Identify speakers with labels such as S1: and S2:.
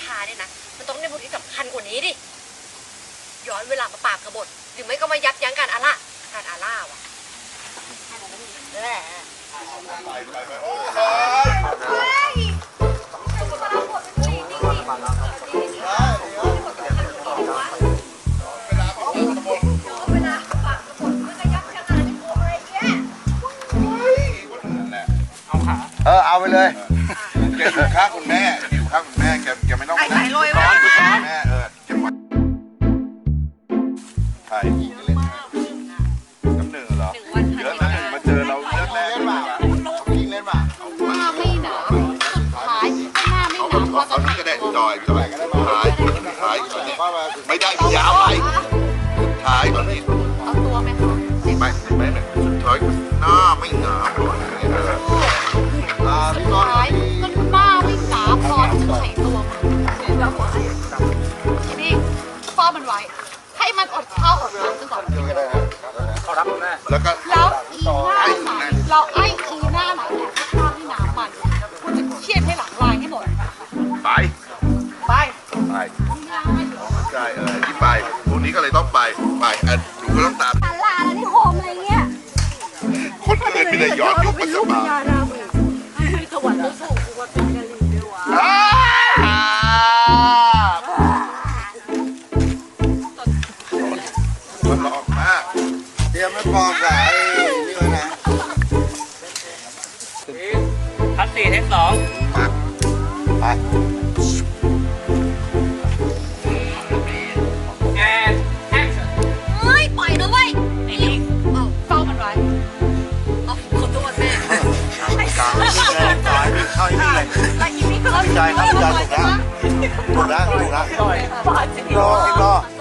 S1: าเนี่ยนะมันต้องได้บทที่สำคัญกว่านี้ดิย้อนเวลามาปราบกบฏหรือไม่ก็มายับยั้งการอาล่าว่ะ
S2: เอาไปเลย
S3: แกอยู่ข้างคุณแม่อยู่ข้างคุณแม่แกไม่ต้องนะ
S1: โรยไว้
S3: แม่แกไว้ใช่น้ำหนึ่งเหรอเยอะนะหนึ่งมาเจอเราเยอะแน่เลยว่ะ
S2: ยิงเล่นป่ะ
S4: หน้าไม่หนาสุดท้ายหน้าไม่หนาพอจะ
S3: เอานี่ก็ได้จอยท้ายไม่ได้ยาวไปท้ายตอนนี้
S4: เอาตัวไหมคะ
S3: ไม่สุดท้ายหน้าไม่หนา
S4: สุดท้ายก็หน้าไม่หนาพอจะไขตัวมันทีนี้ป้อมันไว้ให้มันอดข้าวอดน้ำจนกว่ามันจะ
S2: เขารับคุณแม่
S3: แล้วก็
S4: แล้วอีหน้าไหนเราไอ้อีหน้าไหนเนี่ยให้ข้าวที่น้ำมันคุณจะเชียดให้หลังลายให้หมด
S3: ไปใช่ที่ไปพวกนี้ก็เลยต้องไปหนูก็ต้องตาม
S4: ลาแล้วนี่โฮมอะไรเงี้ย
S3: คนเกิดไม่ได้ย้อนยุคปัจจุบัน
S1: สวรรค์สูงกว่าเป็นกะหรี่ด้วยวะ
S3: มันหลอกมาก
S2: เตรียมไม่ปอกกับไอ้นี่เลยนะ
S5: คัด4 เทค 2
S2: ไป
S1: เฮ้ยปล่อยนะเว้ย
S4: ไอ้ลิงเฝ้ามันไว้
S1: ขอโทษแม่
S2: เข้าอีกนี่เลย
S4: แล้วอีนี่ก็
S2: ใจครับใจถูกแล้วรอรอ